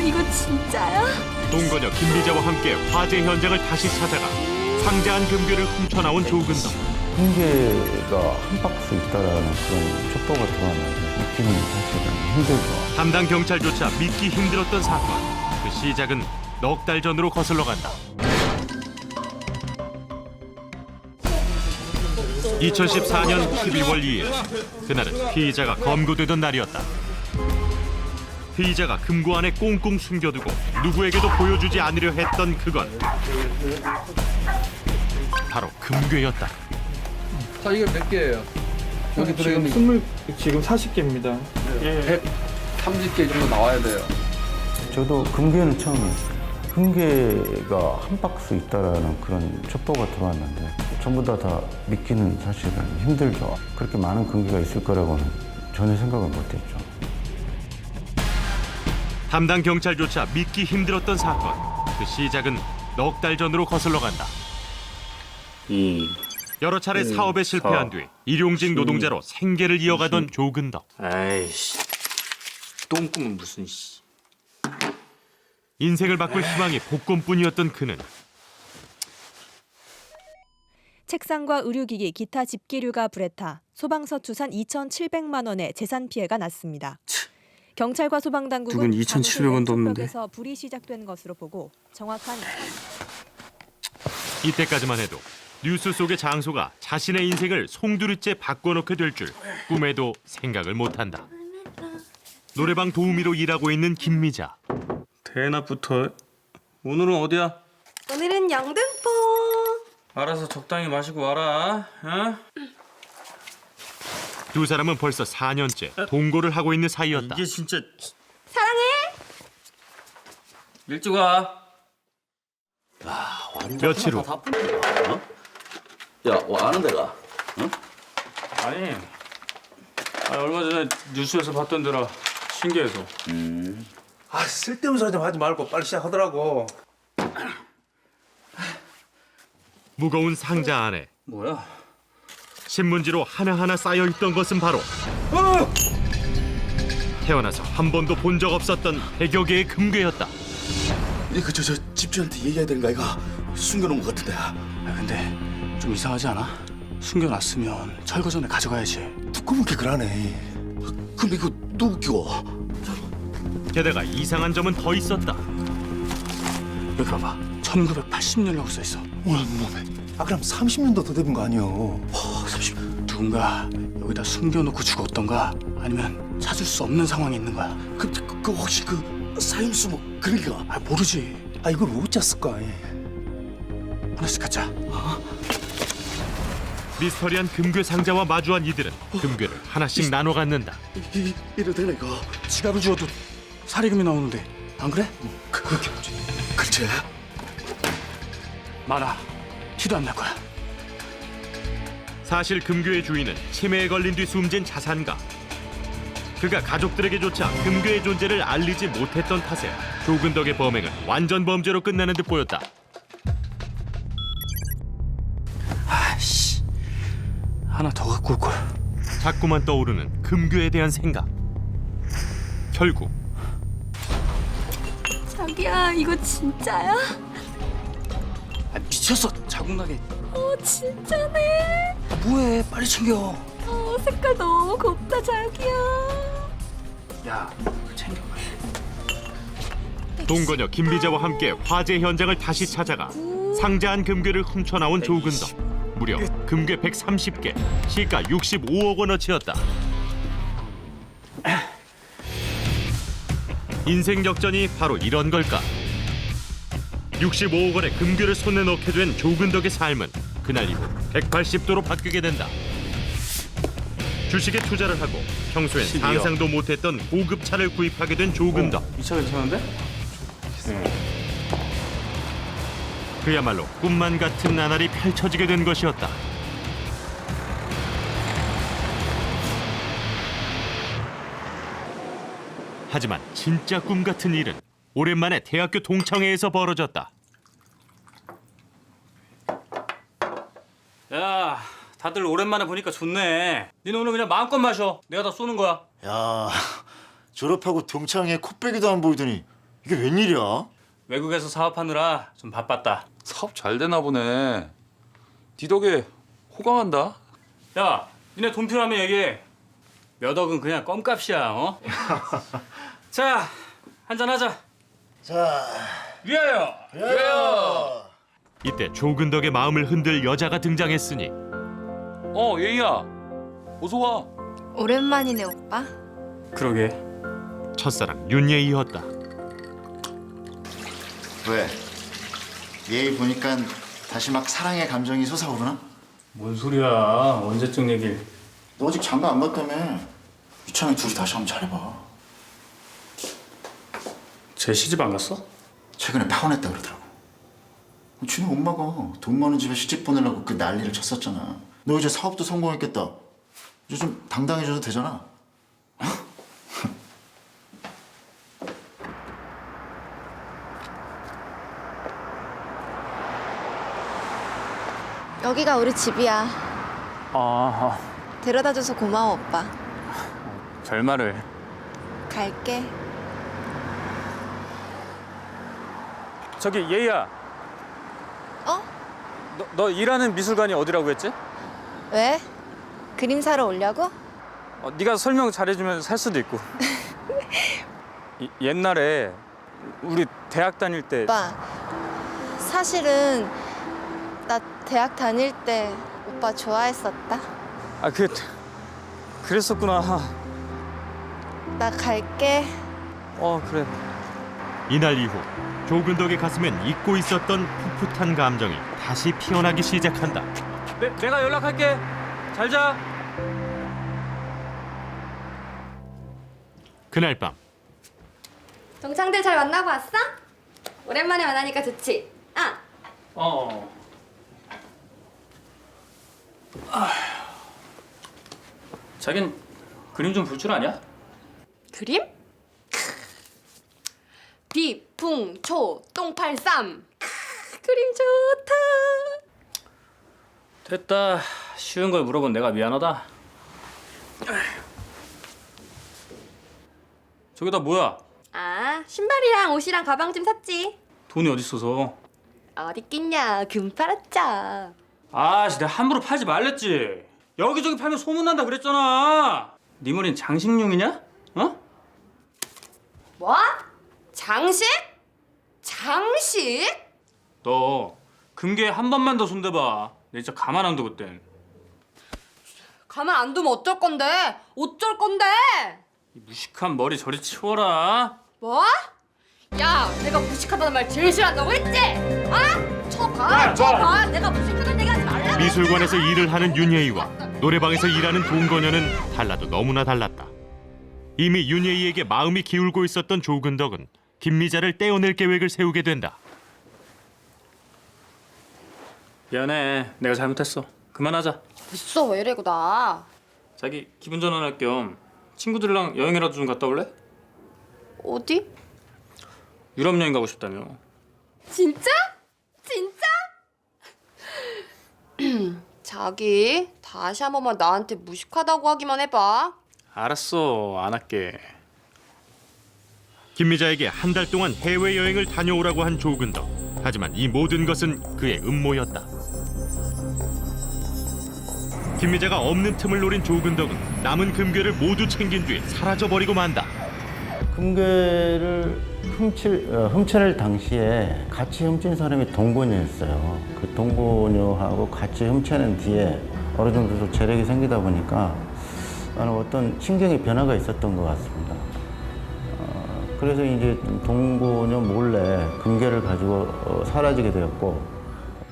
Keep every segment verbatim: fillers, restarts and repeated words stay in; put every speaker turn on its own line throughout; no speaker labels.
이거 진짜야?
동건녀 김미자와 함께 화재 현장을 다시 찾아가 상자한 금괴를 훔쳐나온 조근덕.
금괴가 한 박스 있다라는 그런 첩보가 들어왔는데 믿기는 사실은 힘들죠.
담당 경찰조차 믿기 힘들었던 사건. 그 시작은 넉 달 전으로 거슬러 간다. 이천십사 년 십일월 이일, 그날은 피의자가 검거되던 날이었다. 피의자가 금고 안에 꽁꽁 숨겨두고 누구에게도 보여주지 않으려 했던 그건 바로 금괴였다.
자, 이게 몇 개예요? 여기
지금
들어있는
스물 지금 사십 개입니다.
백삼십 개 정도 나와야 돼요.
저도 금괴는 처음이었어요. 금괴가 한 박스 있다라는 그런 첩보가 들어왔는데 전부 다 다 믿기는 사실은 힘들죠. 그렇게 많은 금괴가 있을 거라고는 전혀 생각을 못했죠.
담당 경찰조차 믿기 힘들었던 사건. 그 시작은 넉 달 전으로 거슬러 간다.
이
여러 차례
음,
사업에 실패한 뒤 일용직 노동자로 생계를 이어가던 조근덕.
아이씨 똥꿈은 무슨 씨.
인생을 바꿀 희망이 복권뿐이었던 그는
책상과 의료기기, 기타 집기류가 불에 타 소방서 추산 이천칠백만 원의 재산 피해가 났습니다. 경찰과 소방당국은
누군 이천칠백 원도 없는데.
에서 불이 시작된 것으로 보고 정확한
이때까지만 해도 뉴스 속의 장소가 자신의 인생을 송두리째 바꿔놓게 될 줄 꿈에도 생각을 못한다. 노래방 도우미로 일하고 있는 김미자.
대낮부터 오늘은 어디야?
오늘은 영등포.
알아서 적당히 마시고 와라. 어?
두 사람은 벌써 사 년째 동거를 하고 있는 사이였다.
이게 진짜
사랑해.
일찍 와.
며칠 후
어? 야, 뭐 아는 데가? 응?
아니, 아니 얼마 전에 뉴스에서 봤던 데라 신기해서.
음.
아, 쓸데없는 소리 좀 하지 말고 빨리 시작하더라고.
무거운 상자 안에
뭐야?
신문지로 하나하나 쌓여있던 것은 바로 태어나서 한 번도 본 적 없었던 백여 개의 금괴였다.
이거 저, 저 집주인한테 얘기해야 되는 거 아이가? 숨겨놓은 것 같은데.
아 근데 좀 이상하지 않아? 숨겨놨으면 철거 전에 가져가야지.
두꺼운게 그러네. 근데 이거 누구 끼워?
게다가 이상한 점은 더 있었다.
여기 봐봐. 천구백팔십 년이라고 써있어.
오늘 몸에.
아, 그럼 삼십 년도 더 돼본 거 아니오?
와, 삼십.
누군가 여기다 숨겨놓고 죽었던가 아니면 찾을 수 없는 상황이 있는 거야.
그, 그, 그 혹시 그 사형수 뭐 그런 게가?
아 모르지.
아, 이걸 어찌 쓸까?
하나씩 갖자.
미스터리한 금괴 상자와 마주한 이들은 금괴를 하나씩 나눠 갖는다.
이, 이, 이래 되나 이거?
지갑을 주워도 사리금이 나오는데 안 그래?
그, 그렇게 하지. 글쎄.
많아. 티도 안 날 거야.
사실 금괴의 주인은 치매에 걸린 뒤 숨진 자산가. 그가 가족들에게조차 금괴의 존재를 알리지 못했던 탓에 조근덕의 범행은 완전 범죄로 끝나는 듯 보였다.
아이씨. 하나 더 갖고 올 걸.
자꾸만 떠오르는 금괴에 대한 생각. 결국
자기야, 이거 진짜야?
아 미쳤어. 자국 나게.
어, 진짜네.
아, 뭐해? 빨리 챙겨.
어, 색깔 너무 곱다, 자기야.
야, 챙겨.
동건녀 김비자와 함께 화재 현장을 다시 찾아가 상자한 금괴를 훔쳐나온 조근덕. 무려 금괴 백삼십 개, 시가 육십오억 원어치였다. 인생 역전이 바로 이런 걸까? 육십오억 원의 금괴를 손에 넣게 된 조근덕의 삶은 그날 이후 백팔십 도로 바뀌게 된다. 주식에 투자를 하고 평소엔
십이억.
상상도 못했던 고급 차를 구입하게 된 조근덕.
이 차 괜찮은데?
그야말로 꿈만 같은 나날이 펼쳐지게 된 것이었다. 하지만 진짜 꿈 같은 일은 오랜만에 대학교 동창회에서 벌어졌다.
야, 다들 오랜만에 보니까 좋네. 니네 오늘 그냥 마음껏 마셔. 내가 다 쏘는 거야.
야, 졸업하고 동창회 코빼기도 안 보이더니 이게 웬일이야?
외국에서 사업하느라 좀 바빴다.
사업 잘 되나 보네. 네 덕에 호강한다.
야, 니네 돈 필요하면 얘기해. 몇 억은 그냥 껌값이야, 어? 자, 한잔 하자.
자,
위하여.
그래요.
이때 조근덕의 마음을 흔들 여자가 등장했으니
어, 예희야. 어서 와.
오랜만이네 오빠.
그러게.
첫사랑 윤예이였다.
왜? 얘 보니까 다시 막 사랑의 감정이 솟아오르나?
뭔 소리야? 언제적 얘길?
너 아직 장가 안 갔다며. 이참에 둘이 다시 한번 잘해봐.
쟤 시집 안 갔어?
최근에 파혼했다 그러더라고. 지네 엄마가 돈 많은 집에 시집 보내려고 그 난리를 쳤었잖아. 너 이제 사업도 성공했겠다. 이제 좀 당당해져도 되잖아.
여기가 우리 집이야.
아,
데려다줘서 고마워 오빠.
별말을.
갈게.
저기 예희야.
어?
너, 너 일하는 미술관이 어디라고 했지?
왜? 그림 사러 오려고?
어, 네가 설명 잘해주면 살 수도 있고. 이, 옛날에 우리 대학 다닐 때.
오빠 사실은 나 대학 다닐 때 오빠 좋아했었다.
아, 그 그랬었구나.
나 갈게.
어, 그래.
이날 이후 조근덕의 가슴엔 잊고 있었던 풋풋한 감정이 다시 피어나기 시작한다.
내, 내가 연락할게. 잘 자.
그날 밤
동창들 잘 만나고 왔어? 오랜만에 만나니까 좋지? 아,
어. 아. 자긴 그림 좀 볼 줄 아냐?
그림? 비풍초 똥팔삼. 그림 좋다.
됐다. 쉬운 걸 물어본 내가 미안하다. 저기다 뭐야?
아, 신발이랑 옷이랑 가방 좀 샀지.
돈이 어디 있어서?
어디 있겠냐, 금 팔았자.
아씨, 내가 함부로 팔지 말랬지. 여기저기 팔면 소문난다 그랬잖아. 네 머리는 장식용이냐? 어?
뭐? 장식? 장식?
너 금괴 한 번만 더 손대봐. 내 진짜 가만 안 둬 그땐.
가만 안 두면 어쩔 건데? 어쩔 건데?
이 무식한 머리 저리 치워라.
뭐? 야, 내가 무식하다는 말 제일 싫어한다고 했지? 아? 쳐봐, 쳐봐. 내가 무식하다는 얘기 하지 말라고.
미술관에서 일을 하는 윤예이와 노래방에서 일하는 동건녀는 달라도 너무나 달랐다. 이미 윤예이에게 마음이 기울고 있었던 조근덕은 김미자를 떼어낼 계획을 세우게 된다.
미안해. 내가 잘못했어. 그만하자.
됐어, 왜 이래고 나.
자기 기분 전환할 겸 친구들이랑 여행이라도 좀 갔다 올래?
어디?
유럽 여행 가고 싶다며.
진짜? 진짜? 자기, 다시 한 번만 나한테 무식하다고 하기만 해봐.
알았어. 안 할게.
김미자에게 한 달 동안 해외여행을 다녀오라고 한 조근덕. 하지만 이 모든 것은 그의 음모였다. 김미자가 없는 틈을 노린 조근덕은 남은 금괴를 모두 챙긴 뒤에 사라져버리고 만다.
금괴를 훔칠, 어, 훔쳐낼 당시에 같이 훔친 사람이 동고녀였어요. 그 동고녀하고 같이 훔쳐낸 뒤에 어느 정도 좀 재력이 생기다 보니까 어떤 신경의 변화가 있었던 것 같습니다. 어, 그래서 이제 동고녀 몰래 금괴를 가지고 어, 사라지게 되었고,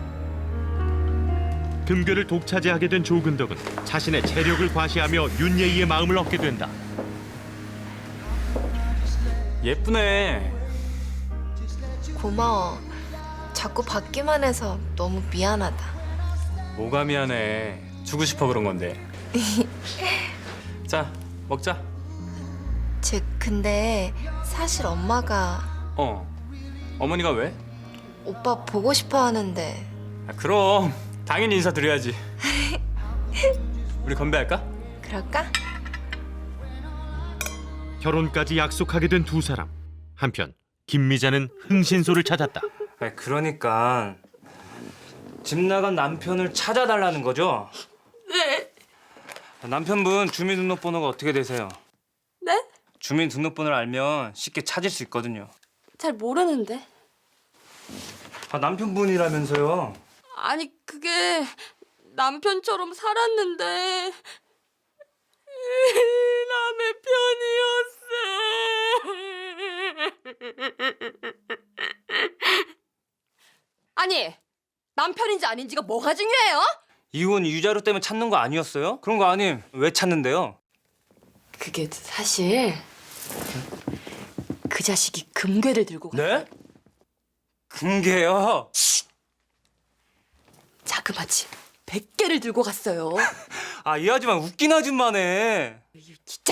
금괴를 독차지하게 된 조근덕은 자신의 체력을 과시하며 윤예이의 마음을 얻게 된다.
예쁘네.
고마워. 자꾸 받기만 해서 너무 미안하다.
뭐가 미안해. 주고 싶어 그런 건데. 자, 먹자.
쟤 근데 사실 엄마가
어. 어머니가 왜?
오빠 보고 싶어 하는데.
아, 그럼 당연히 인사드려야지. 우리 건배할까?
그럴까?
결혼까지 약속하게 된 두 사람. 한편 김미자는 흥신소를 찾았다.
아니, 그러니까 집 나간 남편을 찾아달라는 거죠?
네.
남편분 주민등록번호가 어떻게 되세요?
네?
주민등록번호를 알면 쉽게 찾을 수 있거든요.
잘 모르는데.
아, 남편분이라면서요?
아니 그게 남편처럼 살았는데 남의 편이었어. 아니 남편인지 아닌지가 뭐가 중요해요?
이혼 유자료 때문에 찾는 거 아니었어요? 그런 거 아님 왜 찾는데요?
그게 사실 그 자식이 금괴를 들고 갔어.
네? 금괴요?
자그마치 백 개를 들고 갔어요.
아, 이 아줌마 웃긴 아줌마네.
진짜.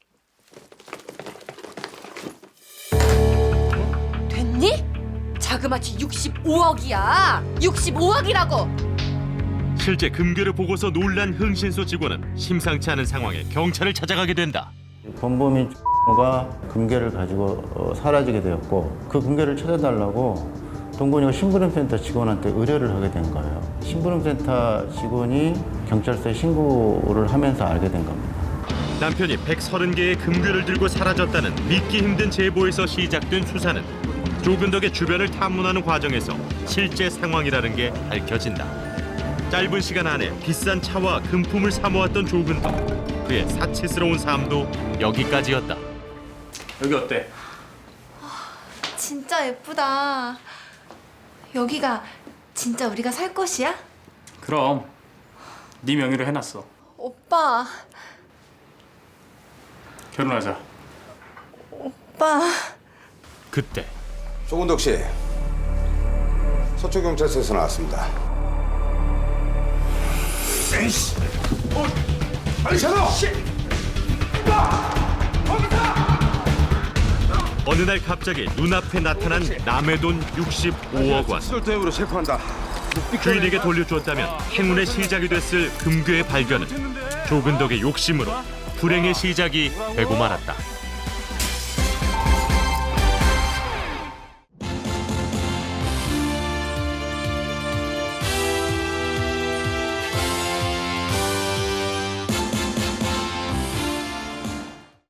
됐니? 자그마치 육십오억이야. 육십오억이라고.
실제 금괴를 보고서 놀란 흥신소 직원은 심상치 않은 상황에 경찰을 찾아가게 된다.
범범인 가 금괴를 가지고 어, 사라지게 되었고 그 금괴를 찾아달라고 동건이가 심부름센터 직원한테 의뢰를 하게 된 거예요. 심부름센터 직원이 경찰서에 신고를 하면서 알게 된 겁니다.
남편이 백삼십 개의 금괴를 들고 사라졌다는 믿기 힘든 제보에서 시작된 수사는 조근덕의 주변을 탐문하는 과정에서 실제 상황이라는 게 밝혀진다. 짧은 시간 안에 비싼 차와 금품을 사모았던 조근덕. 그의 사치스러운 삶도 여기까지였다.
여기 어때?
진짜 예쁘다. 여기가 진짜 우리가 살 곳이야?
그럼 네 명의로 해놨어.
오빠,
결혼하자.
오빠.
그때
조근덕 씨, 서초 경찰서에서 나왔습니다. 에이씨, 어, 빨리 찾아!
어느 날 갑자기 눈앞에 나타난 남의 돈 육십오억 원.
수술대으로 체포한다.
주인에게 돌려주었다면 행운의 시작이 됐을 금괴의 발견은 조근덕의 욕심으로 불행의 시작이 되고 말았다.